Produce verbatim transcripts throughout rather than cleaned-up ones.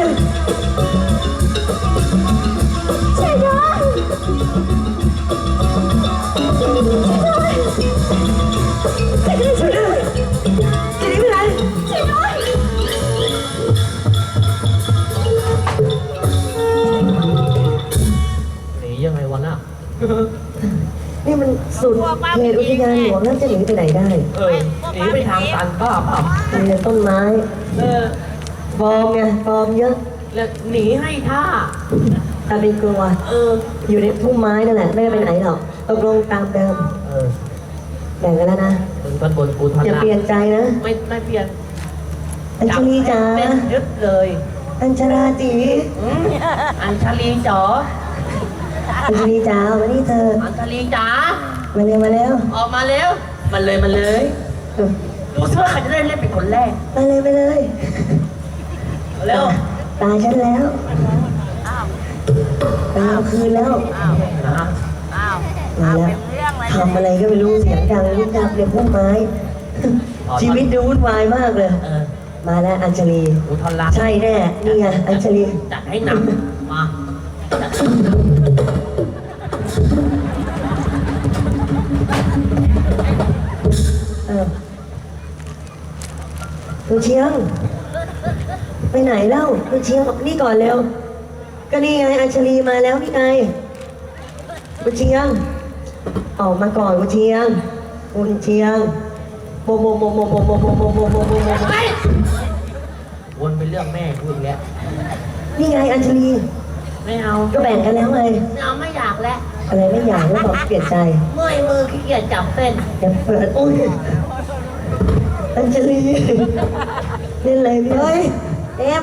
ช่วยด้วยช่วยด้วยช่วยด้วยจะหนีไปไหนช่วยด้วยหนียังไงวะน่ะนี่มันสุดเขตอุทยานหลวงแล้วจะหนีไปไหนได้เออหนีไปทางตันป้าเปล่ามีแต่ต้นไม้เออฟอร์มไงฟอร์มเยอะแล้วหนีให้ท่าแต่เป็นกลัวเอออยู่ในพุ่มไม้นั่นแหละไม่ได้ไปไหนหรอกตกลงตามเดิมเออแบ่งกันแล้วนะถึงตอนบนกูทันอย่าละเปลี่ยนใจนะไม่ไม่เปลี่ยนอัญชลีจ๋าเต้นยึดเลยอัญชราจีอืมอัญชลีจ๋ออัญชลีจ๋ามานี่เธออัญชลีจ๋ามาเร็วมาแล้วออกมาเร็วมันเลยมันเลยเออดูซิว่าใครจะได้เล่นเป็นคนแรกมาเลยไปเลยเร็วตายฉันแล้วตายเอาคืนแล้วนะมาแล้วทำอะไรก็ไม่รู้เสียงดังรุ่นดับเลยพุ่มไม้ ชีวิตดูวุ่นวายมากเลยเออมาแล้วอัญชลีกูทอนรักใช่แน่นี่ไงอัญชลีจัดให้หนักมาเออคุณเชียง ไปไหนเล่าคุณเชียงออกนี่ก่อนเร็ว ก็นี่ไงอัญชลีมาแล้วนี่ไงคุณเชียง ออกมาก่อนคุณเชียงคุณเชียงโมโมโมโมโมโมโมโมโมโมโมโมไปวนไปเรื่องแม่กูอีกแล้วนี่ไงอัญชลีไม่เอาก็แบ่งกันแล้วไงไม่เอาไม่อยากแล้วอะไรไม่อยากแล้วบอกเปลี่ยนใจเมื่อยมือขี้เกียจจับเส้นอย่าเปิดโอ้ยอัญชลีเล่นอะไรเนี่ยเฮ้ยเอฟ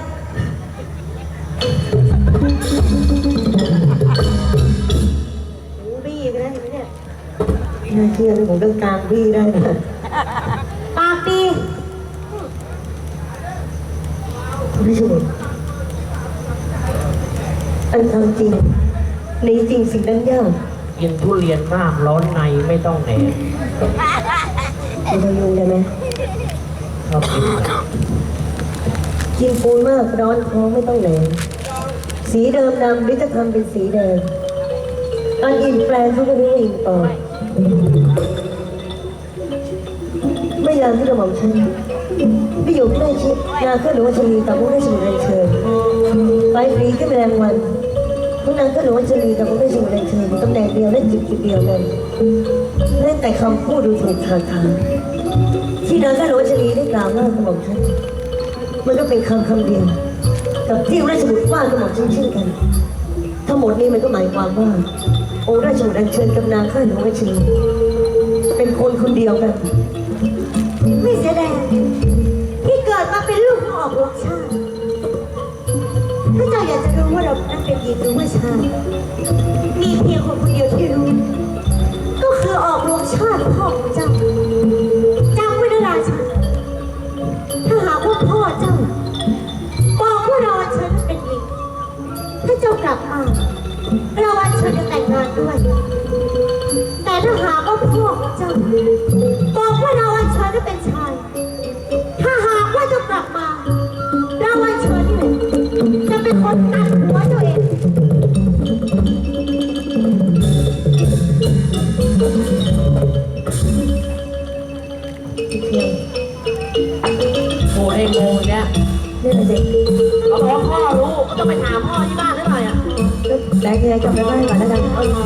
หูบี้ไปแล้วเห็นไหมเนี่ยน่าเชื่อเลยผมต้องกลางบี้ได้นะปากดีคุณผู้ชมอันทำจริงในจริงสิ่งนั้นยากกินทุเรียนมากร้อนในไม่ต้องแหนคุณพยุงได้ไหมชอบกินกินปูนมากร้อนท้องไม่ต้องแหลงสีเดิมดำหรือจะทำเป็นสีแดงอันอินแปลงเขาก็รู้ว่าอินปลอมไม่ยามที่กระหม่อมฉันพี่อยู่ใกล้ชิดนาข้าหลวงชลีตามพระราชบุตรเชิญไปฟรีขึ้นแรงวันพวกนางข้าหลวงชลีตามพระราชบุตรเชิญตำแหน่งเดียวและจิตจิตเดียวนั้นเล่นแต่คำพูดดูถูกทางทางที่นางข้าหลวงชลีได้กล่าวว่ากระหม่อมฉันมันก็เป็นคำคำเดียวกับที่ราชบุตรว่ากระหม่อมฉันเช่นกันทั้งหมดนี้มันก็หมายความว่าองค์ราชบุตรอัญเชิญกับนางข้าหลวงชลีเป็นคนคนเดียวกันไม่เสียดายที่เกิดมาเป็นลูกของออกรบชาติถ้าเจ้าอยากจะรู้ว่าเรานั้นเป็นหญิงหรือว่าชายมีเพียงคนคนเดียวที่รู้ก็คือออกรบชาติพ่อของเจ้าจำไว้นะราชาถ้าหากว่าพ่อเจ้าบอกว่าเราอัญเชิญเป็นหญิงถ้าเจ้ากลับมาเราอัญเชิญจะแต่งงานด้วยแต่ถ้าหากว่าพ่อของเจ้าบอกว่าเราอัญเชิญจะเป็นชายถ้าหากว่าเจ้ากลับมาเราอัญเชิญนี่แหละจะเป็นคนตัดหัวเจ้าเองโอ้ยโมเนี่ยนี่แหละเด็กเขาบอกว่าพ่อรู้ก็ต้องไปถามพ่อที่บ้านได้ไหมอ่ะได้ยังไงกลับไปบ้านก่อนแล้วกันเออ